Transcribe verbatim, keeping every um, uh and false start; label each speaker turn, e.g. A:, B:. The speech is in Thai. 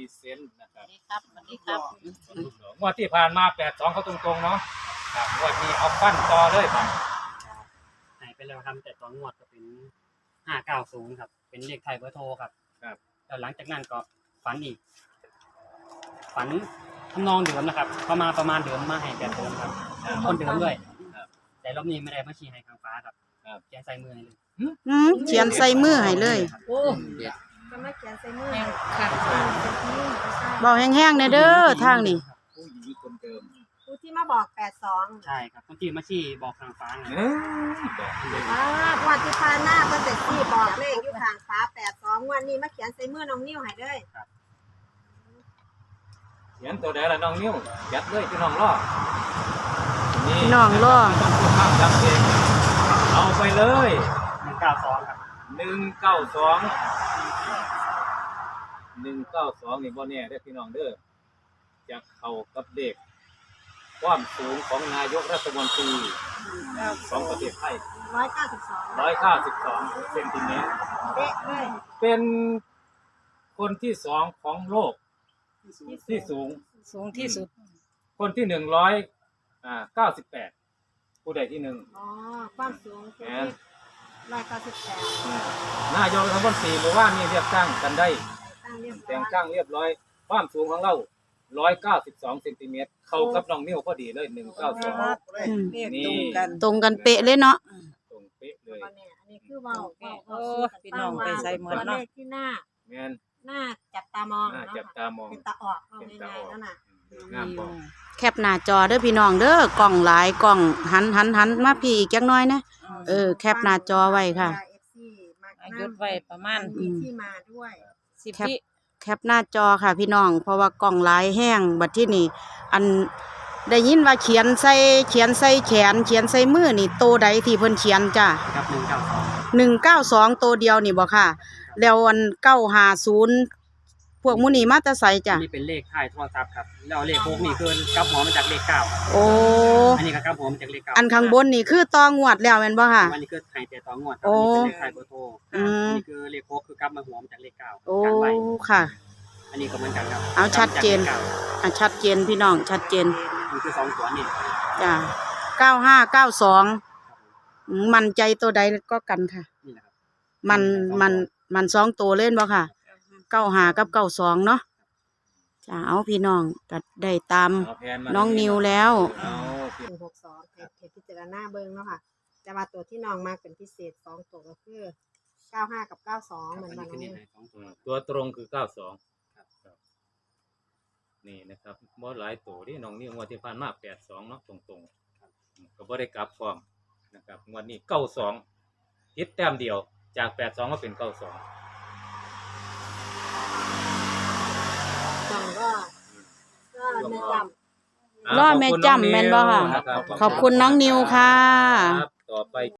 A: เซนต์นะครับ
B: ครับสวัสดีครับ
A: งวดที่ผ่านมาแปดสองเขาตรงๆเนาะครับงวดนี้เอาปั้นต่อเลยครับ
C: หายไปแล้วครับแต่ตอนงวดก็เป็นห้าเก้าศูนย์ครับเป็นเลขไทยเบอร์โทรครับ
A: ครับ
C: แล้วหลังจากนั้นก็ฝันอีก ฝันทำนองเดิมนะครับประมาณประมาณเดิมมาให้แบบเดิมครับคนเดิมด้วยแต่รอบนี้ไม่ได้มาชี้ให้ทางฟ้าครับเขียนใส่มือให้เลย
D: อืมเขียนใส่มือให้เลย
B: โอ้
E: ก็มาเขียนใส่มือ
B: แม่งค่ะ
D: บอกแห้งๆแน่เด้อทางนี่
A: ผู้หญิงคนเดิม
E: ผู้ที่มาบอกแปดสอง
C: ใช่ครับคนที่มาชี้บอกทางฟ้าไง
A: เออบอกเลย
E: อ่าวันที่ผ่านหน้าเพิ่นเสร็จที่บอกเลขอยู่ทางฟ้าแปดสองวันนี้มาเขียนใส่มือน้องนิ้วให้เลย
A: เขียนตัวใดล่ะน้องนิ้วยัดเลยพี่น้องรอนี่
D: พี่น้องรอ
A: ภาพจำเองเอาไปเลย
C: หนึ่งเก้าสองครับ
A: หนึ่งเก้าสองหนึ่งเก้าสองนี่บ่แน่เด้อพี่น้องเด้อจะเข้ากับเด็กความสูงของนายกรัฐมนตรีของประเทศไทย
E: ร้อยเก้าสิบสอง
A: ร้อยเก้าสิบสองเซนติเมตร
E: เป๊ะเลย
A: เป็นคนที่สองของโลกที่สูง
B: สูงที่สุด
A: คนที่หนึ่งร้อยอ่าเก้าสิบแปดผู้ใดที่หนึ่ง
E: อ๋อความสูงคือร้อยเก้าสิบแปด
A: นายกรัฐมนตรีบอกว่ามีเรียกตั้งกันได้
E: ตั้งเรียบร้
A: แต่
E: อง ย
A: ตั้งเรียบร้อยความสูงของเราร้อยเก้าสิบสองเซนติเมตรเข้ากับน้องนิ้วพอดีเลยหนึ่งเก้าสอง
D: อืม
B: เรียกตรงกัน
D: ตรงกันเป๊ะเลยเนาะ
A: ตรงเป๊ะเลย
E: ตอนนี้อันนี้คือเว้าเว้า
B: โอ้พี่น้องไปใส่หมด
E: ตัว
B: เนาะ
E: เลขที่หน้า
A: แม่น
E: หน้าจับตามอง
A: น่า
E: เนาะ
A: จับตามอง
E: เป็นตาออกเอา
A: เป็นตา
E: ง่าย
A: ออก
E: ๆนั่นน่ะ
A: งามบ่
D: แคปหน้าจอเด้อพี่น้องเด้อกล่องหลายกล่องหันหันหันมาพี่อีกจักหน่อยนะเออแคปหน้าจอไว้ค่ะ
E: เอฟซีมาก
B: อายุไว้ประมาณ
E: มีที่มาด้วย
B: สิบ
D: แคป
B: วิ
D: แคปหน้าจอค่ะพี่น้องเพราะว่ากล่องหลายแห้งบัดที่นี่อันได้ยินว่าเขียนใส่เขียนใส่แขนเขียนใส่มือนี่โตใดที่เพิ่นเขียนจ้ะ
C: ครับหนึ่งเก้าสอง
D: หนึ่งเก้าสองตัวเดียวนี่บ่ค่ะ แล้วอันเก้าห้าศูนย์พวกหมูนี่มาแต่ไสจ้ะ
C: นี่เป็นเลขท้ายโทรศัพท์ครับแล้วเลขพวกนี้คือกลับหัวมาจากเลขเก้าครับ
D: โอ้
C: อันนี้ก็กลับหัวมาจากเลขเก้า
D: อันข้างบนนี่คือตองวดแล้วแม่นบ่ค่ะ
C: อันนี้คือไทยแต่ต่องวดครับ
D: โอ้
C: อันนี้เป็นเลขไทยเบอร์โทร
D: อืม
C: อันนี้คือเลขโค้กคือกลับมาหัวมาจากเลขเก้า
D: โอ้
C: กันไว้
D: ค่ะ
C: อันนี้ก็เหมือนกันครับ
D: เอาชัดเจน
C: กลับมาจากลขก้า
D: อ่ะชัดเจนพี่น้องชัดเจน
C: นี่คือสองตัวนี่
D: จ้ะเก้าห้าเก้าสองมันใจตัวใดก็กันค่ะ
C: นี่แหละครับ
D: มันมันมันสองตัวเล่นบ่ค่ะเก้าห้ากับเก้าสองเนาะจ้ะเอาพี่น้องก็ได้ตาม
A: เอาแผมา
D: น้องนิวแล้ว
A: เอา
E: หนึ่งหกสองเทปพิจารณาเบิ้งเนาะค่ะแต่ว่าตัวที่น้องมากเป็นพิเศษสองตัวก็คือเก้าห้ากับเก้าสองเหมือน
C: อัน
E: กั
C: นี้
E: น
C: คือ
E: น้อง
C: นี่
E: นิว
C: ไทยสองตัว
A: ตัวตรงคือเก้าสองนี่นะครับบ่หลายตัวที่น้องนิ้วงวดที่ผ่านมาแปดสองเนาะตรงๆก็บ่ได้กลับฟอร์มนะครับงวดนี้เก้าสองคิดแต้มเดียวจากแปดสองก็เป็นเก้าสอง
E: น้องก็ก็ในจำ
D: รอดแม่จำแม่นบ่ค่ะ ขอบคุณน้องนิวค่ะ
A: ครับต่อไป